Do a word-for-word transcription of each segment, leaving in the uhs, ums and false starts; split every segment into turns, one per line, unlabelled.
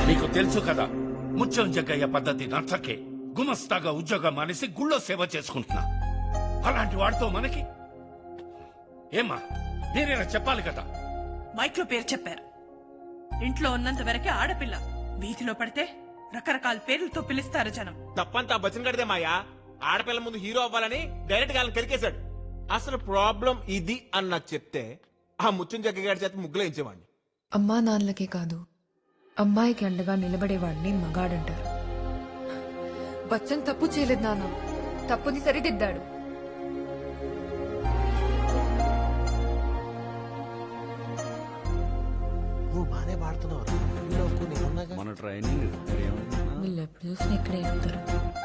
నీకు తెలుసు కదా ముత్యం జగ్గయ్య పద్ధతి నచ్చకే గుమస్తాగా ఉద్యోగం మానేసి గుళ్ళో సేవ చేసుకుంటున్నా. అలాంటి వాడితో మనకి ఏమా మీరేనా చెప్పాలి కదా.
మైక్ లో పేరు చెప్పారు. ఇంట్లో ఉన్నంత వరకే ఆడపిల్ల, వీధిలో పడితే రకరకాల పేర్లతో పిలుస్తారు జనం.
తప్పంతా బచ్చన్ గడిదే మాయా. ఆడపిల్ల ముందు హీరో అవ్వాలని డైరెక్ట్ గా కెలికేశాడు. అసలు ప్రాబ్లం ఇది అన్న చెప్తే ఆ ముత్యం జగ్గగాడి చేత ముగ్గులో ఇచ్చేవాడిని.
అమ్మా నాన్నలకే కాదు, అమ్మాయికి అండగా నిలబడేవాడిని మగాడంటారు. బచ్చన్ తప్పు చేయలేదు నాన్న, తప్పుని సరిదిద్దాడు.
నువ్వు బానే పాడుతున్నావు.
మన ట్రైనింగ్
వీళ్ళు ఎప్పుడు చూసినా ఇక్కడే ఉంటారు.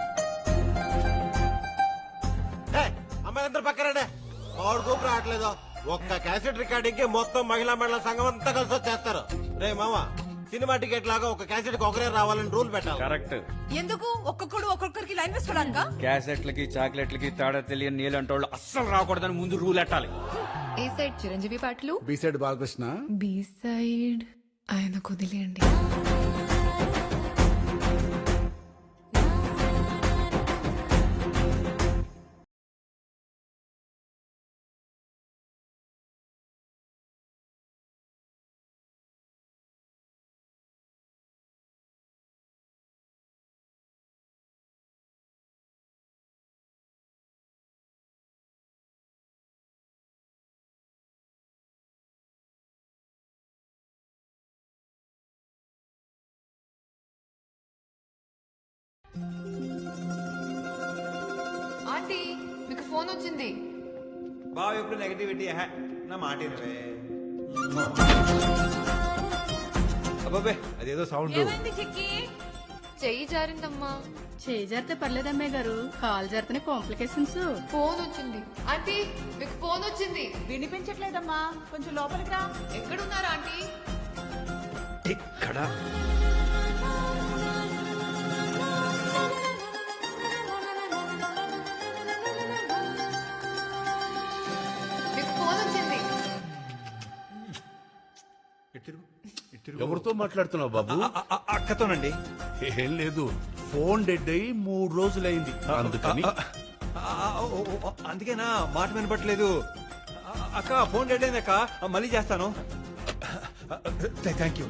అమ్మాయిలందరూ పక్కరండి. వాడు కూపు రావట్లేదు. ఒక్క క్యాసెట్ రికార్డింగ్ కి మొత్తం మహిళా మండల సంఘం అంతా కలిసి వచ్చేస్తారు. రే మామ, సినిమా టికెట్ లాగా ఒక క్యాసెట్ కి ఒకరే రావాలని రూల్ పెట్టాలి.
కరెక్ట్.
ఎందుకు ఒక్కొక్కడు ఒక్కొక్కరికి లైన్ వేసుకోవడానికా?
క్యాసెట్లకి చాక్లెట్లకి తేడా తెలియని నీళ్ళంటోళ్ళు అస్సలు రాకూడదని ముందు రూల్ ఎట్టాలి.
ఏ సైడ్ చిరంజీవి పాటలు,
B side Balakrishna,
B side ఆయన కుదిలేండి. ఆంటీ, మీకు ఫోన్ వచ్చింది.
బావ ఎప్పుడు నెగటివిటీ నా మాట అబ్బాబే అదేదో సౌండ్.
చెయ్యి జారిందమ్మా.
చేయి జరితే పర్లేదమ్మాయి గారు, కాలు జరితేనే కాంప్లికేషన్స్.
ఫోన్ వచ్చింది ఆంటీ, మీకు ఫోన్ వచ్చింది.
వినిపించట్లేదమ్మా, కొంచెం లోపలికి రా.
ఎక్కడున్నారా ఆంటీ?
ఇక్కడ
మీకు ఫోన్ వచ్చింది.
ఎవరితో మాట్లాడుతున్నావు బాబు?
అక్కతోనండి.
ఏం లేదు, ఫోన్ డెడ్ అయి మూడు రోజులైంది అందుకని.
అందుకేనా మాట వినపట్లేదు. అక్క ఫోన్ డెడ్ అయింది అక్క, మళ్ళీ చేస్తాను. Thank you.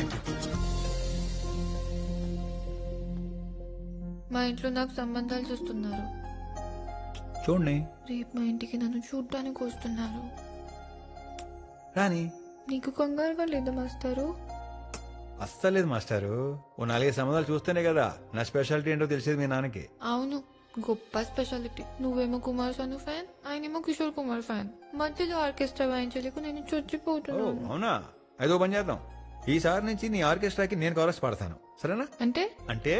మా ఇంట్లో నాకు సంబంధాలు చూస్తున్నారు.
చూడండి
రేపు మా ఇంటికి నన్ను చూడ్డానికి వస్తున్నారు.
రాని.
నీకు కంగారుగా లేదా మాస్టారు?
అస్సలేదు మాస్టారు. ఓ నాలుగైదు సంబంధాలు చూస్తేనే కదా నా స్పెషాలిటీ ఏంటో తెలిసేది మీ నాన్నకి.
అవును, గొప్ప స్పెషాలిటీ. నువ్వేమో కుమార్ సాను ఫ్యాన్, ఆయనేమో కిషోర్ కుమార్ ఫ్యాన్. మధ్యలో ఆర్కెస్ట్రా వాయించలేకు నేను
ఓ
చచ్చిపోతున్నాను.
అవునా? ఐదో పని చేద్దాం. ఈసారి నుంచి నీ ఆర్కెస్ట్రాకి నేను కవరస్ పాడతాను, సరేనా?
అంటే
అంటే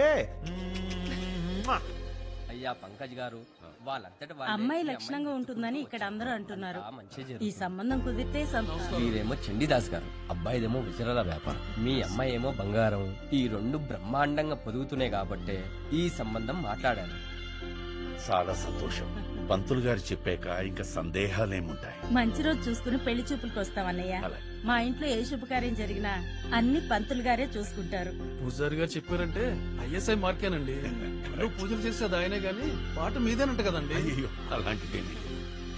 అయ్యా పంకజ్ గారు, వాళ్ళంతట
అమ్మాయి లక్షణంగా ఉంటుందని ఇక్కడ అందరూ అంటున్నారు. ఈ సంబంధం కుదిరితే సంతోషం.
మీరేమో చండీదాస్ గారు, అబ్బాయిదేమో విజరాల వ్యాపారం, మీ అమ్మాయి ఏమో బంగారం. ఈ రెండు బ్రహ్మాండంగా పొదుగుతున్నాయి కాబట్టే ఈ సంబంధం మాట్లాడాను.
చాలా సంతోషం. పంతులు గారు చెప్పాక ఇంకా సందేహాలేముంటాయి.
మంచి రోజు చూసుకుని పెళ్లి చూపులకు వస్తామన్నయ్య.
అలాగే.
మా ఇంట్లో ఏ శుభకార్యం జరిగినా అన్ని పంతులు గారే చూసుకుంటారు.
పూజారి గారు చెప్పారంటే ఐఎస్ఐ మార్కేనండి. నువ్వు పూజలు చేసేది ఆయనే గాని పాట మీదేనంట కదండి.
అయ్యో అలాంటిదేమీ లేదు.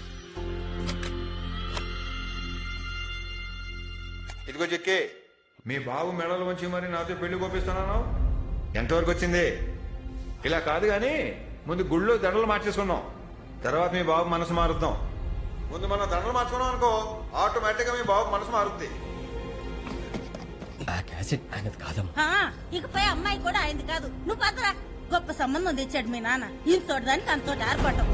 ఇదిగో చెక్కి, మీ బాబు మెడలు వంచి మరి నాతో పెళ్లి కోపిస్తున్నాను. ఎంతవరకు వచ్చింది? ఇలా కాదు గాని ముందు గుళ్ళో దండలు మార్చేసుకున్నాం, తర్వాత మీ బాబు మనసు మారుద్దాం. ముందు మనం దండలు మార్చుకున్నాం అనుకో, ఆటోమేటిక్ గా మీ బాబు మనసు మారుద్ది.
ఆ క్యాసెట్ ఆయనది కాదమ్మా.
ఇకపై అమ్మాయి కూడా ఆయనది కాదు. నువ్వు పదరా. గొప్ప సంబంధం తెచ్చాడు మీ నాన్న. ఇంతోటి దానికి అంతోటి ఆర్పాటం.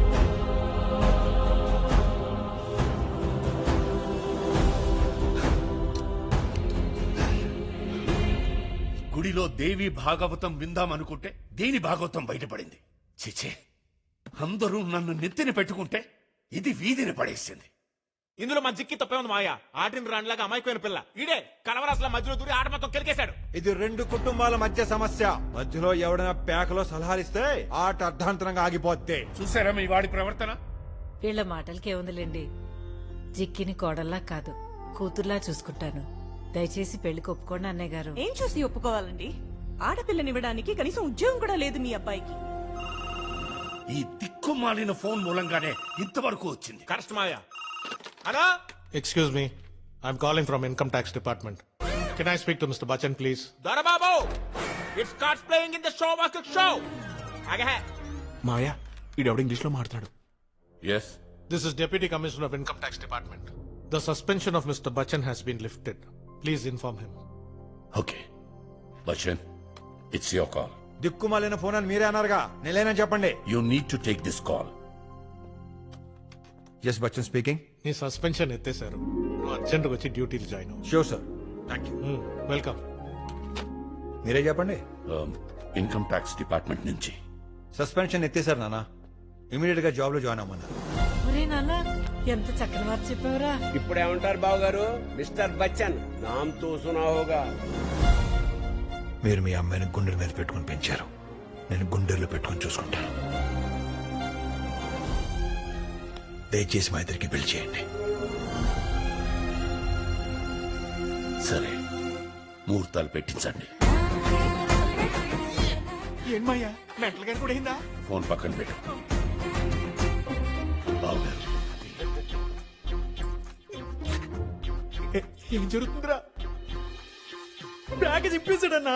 గుడిలో దేవి భాగవతం విందామనుకుంటే దేని భాగవతం బయటపడింది. చిచే, అందరూ నన్ను నెత్తిన పెట్టుకుంటే ఇది వీధిని పడేసింది.
ఇందులో మా జిక్కి తప్పే ఉంది మాయా. ఆటిని రాండ్లాగా అమాయకుమైన పిల్ల ఈడే కలవరాసుల మధ్యలో దూరి ఆట మొత్తం కెలికేశాడు. ఇది రెండు కుటుంబాల మధ్య సమస్య. మధ్యలో ఎవడైనా పేకలో సలహాలిస్తే ఆట అర్ధాంతరంగా ఆగిపోద్ది.
చూసారా మీ వాడి ప్రవర్తన?
వీళ్ళ మాటలకే ఉందిలేండి. జిక్కిని కోడల్లా కాదు, కూతుర్లా చూసుకుంటాను. దయచేసి పెళ్లికి ఒప్పుకోండి అన్నయ్య గారు.
ఏం చూసి ఒప్పుకోవాలండి? ఆడపిల్లనివ్వడానికి కనీసం ఉద్యోగం కూడా లేదు మీ అబ్బాయికి.
ఈ దిక్కుమాలిన ఫోన్ మూలంగానే ఇంతవరకు వచ్చింది.
కరెక్ట్ మాయా అనా
excuse me, I'm calling from income tax department. Can I speak to mister Bachchan please?
Dorababu it starts playing in the show walk show ఆగే
మాయా ఈడెవడ ఇంగ్లీష్ లో మాట్లాడు.
Yes,
this is deputy commissioner of income tax department. The suspension of mister Bachchan has been lifted. Please inform him.
Okay Bachchan, it's your call.
దిక్కుమాలిన phone అని మీరే అన్నారుగా, నేనేనని చెప్పండి.
You need to take this call.
Yes Bachchan speaking.
నీ suspension ఎత్తేశారు. నువ్వు urgent గా వచ్చి డ్యూటీలు జాయిన్ అవ్వు.
Sure sir, thank you.
Welcome.
మీరే చెప్పండి.
ఇన్కమ్ ట్యాక్స్ డిపార్ట్మెంట్ నుంచి
సస్పెన్షన్ ఎత్తేసారు నాన్న, ఇమీడియట్ గా జాబ్ లో జాయిన్ అవ్వమన్నా.
ఒరే నాన్న, ఎంత చక్కని వారు చెప్పావురా.
ఇప్పుడు ఏమంటారు బాబు గారు? మిస్టర్ బచ్చన్ నామ్ తో సునా హోగా.
మీరు మీ అమ్మాయిని గుండెల మీద పెట్టుకుని పెంచారు, నేను గుండెల్లో పెట్టుకుని చూసుకుంటాను. దయచేసి మా ఇద్దరికి పెళ్లి చేయండి.
సరే, ముహూర్తాలు పెట్టించండి.
ఏమయ్యా మెంటల్ గారు కూడా అయిందా?
ఫోన్ పక్కన పెట్టు. బాగున్నారు.
ఏం జరుగుతుందిరా? బ్యాగ్ చింపేశాడన్నా.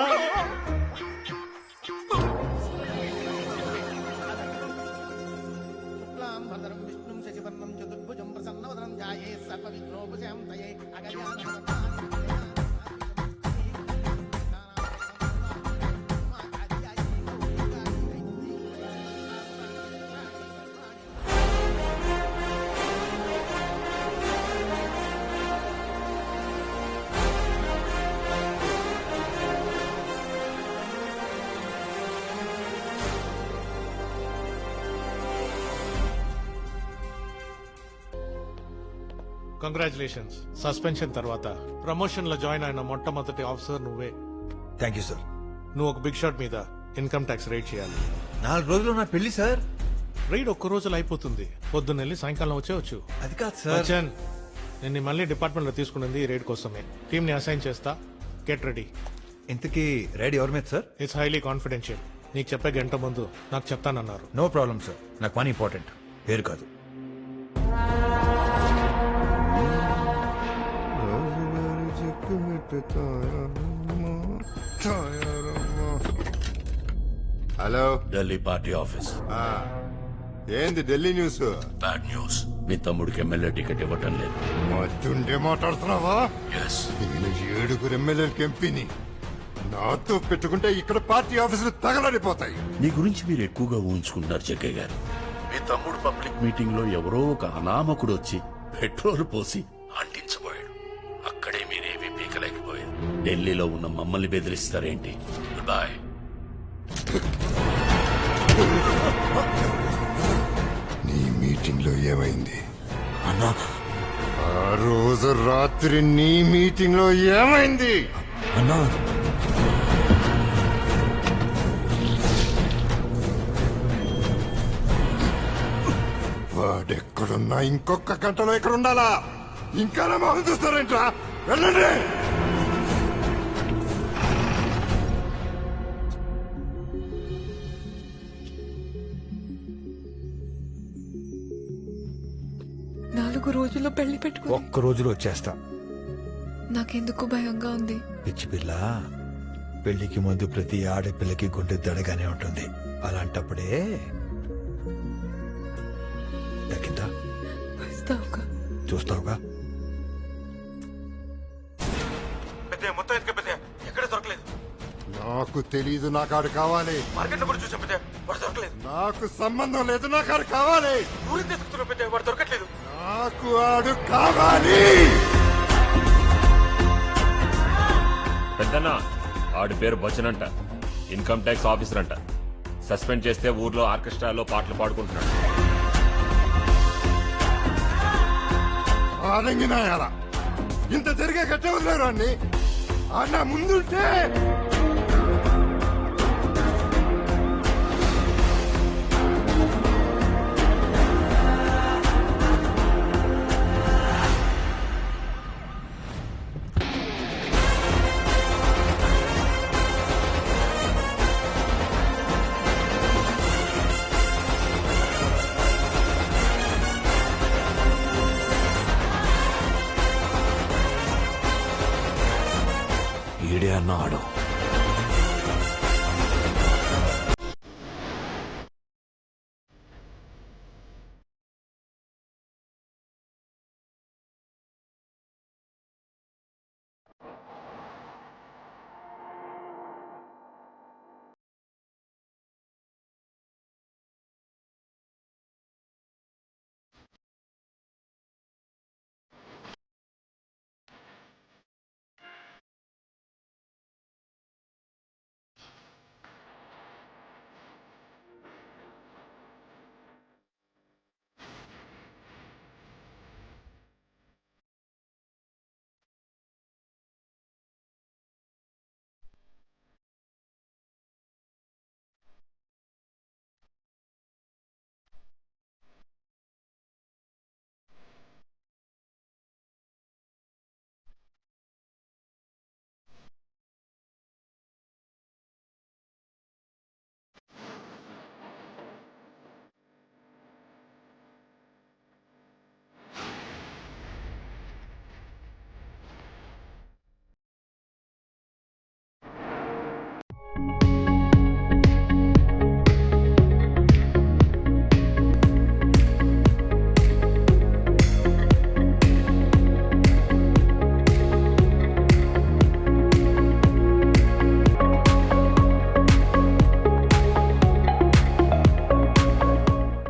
కంగ్రాచులేషన్స్. సస్పెన్షన్ తర్వాత ప్రమోషన్ లో జాయిన్ అయిన మొట్టమొదటి ఆఫీసర్ నువ్వే.
Thank you sir.
నువ్వు ఒక బిగ్ షాట్ మీద ఇన్కమ్ ట్యాక్స్ రైడ్ చేయాలి.
నాలుగు రోజులు నా పెళ్లి సార్.
రైడ్ ఒక్క రోజులో అయిపోతుంది. పొద్దున్న వెళ్ళి సాయంకాలం వచ్చేవచ్చు.
అది కాదు సార్.
బచ్చన్, నేను మళ్ళీ డిపార్ట్మెంట్ లో తీసుకున్నది ఈ రైడ్ కోసమే. టీమ్ ని అసైన్ చేస్తా. Get ready.
ఇంతకీ రైడ్ ఎవరి మీద సార్?
It's highly confidential. నీకు చెప్పే గంట ముందు నాకు చెప్తానన్నారు.
నో ప్రాబ్లం సార్, నాకు పని ఇంపార్టెంట్, పేరు కాదు.
Hello,
Delhi party office.
ఏంది ఢిల్లీ న్యూస్?
Bad news. మీ తమ్ముడికి ఎమ్మెల్యే టికెట్ ఇవ్వటం లేదు.
మతుండే మాట్లాడుతున్నావా?
ఎస్.
నేను ఏడుగురు ఎమ్మెల్యేలకు ఎంపీని. నాతో పెట్టుకుంటే ఇక్కడ పార్టీ ఆఫీసులు తగలడిపోతాయి.
మీ గురించి మీరు ఎక్కువగా ఊహించుకుంటున్నారు జగ్గయ్య గారు. మీ తమ్ముడు పబ్లిక్ మీటింగ్ లో ఎవరో ఒక అనామకుడు వచ్చి పెట్రోల్ పోసి అంటించబోయాడు. అక్కడే మీరేమీ పీకలేకపోయారు. ఢిల్లీలో ఉన్న మమ్మల్ని బెదిరిస్తారేంటి? బాయ్.
నీ మీటింగ్ లో ఏమైంది అన్నా? ఆ రోజు రాత్రి నీ మీటింగ్ లో ఏమైంది
అన్నా?
వాడెక్కడున్నా ఇంకొక గంటలో ఇక్కడ ఉండాలా? ఇంకా నా మొహం చూస్తారేంట్రా? వెళ్ళండి.
నాలుగు రోజుల్లో పెళ్లి పెట్టుకో.
ఒక్క రోజులో వచ్చేస్తా.
నాకెందుకు భయంగా ఉంది.
పిచ్చి పిల్ల, పెళ్లికి ముందు ప్రతి ఆడపిల్లకి గుండె దడగానే ఉంటుంది. అలాంటప్పుడే దక్కిందా?
వస్తావుగా?
చూస్తావుగా?
మొత్తం ఎత్తుక పెద్ద ఎక్కడ దొరకలేదు.
నాకు తెలీదు, నాకు ఆడు కావాలి.
మార్కెట్ లో కూడా చూసాం పెద్ద, వాడు దొరకలేదు.
నాకు సంబంధం లేదు, నాకు ఆడు కావాలి.
ఊరికి తెచ్చుకున్నాం పెద్ద, వాడు దొరకట్లేదు.
నాకు ఆడు కావాలి.
పెద్దన్న, ఆడి పేరు బచ్చన్ అంట. ఇన్కమ్ ట్యాక్స్ ఆఫీసర్ అంట. సస్పెండ్ చేస్తే ఊర్లో ఆర్కెస్ట్రాలో పాటలు పాడుకుంటున్నాడు.
ఆడంగినాయాల ఇంత జరిగే కట్టే వదిలేరు అన్ని. ఆడ ముందుంటే
వాడు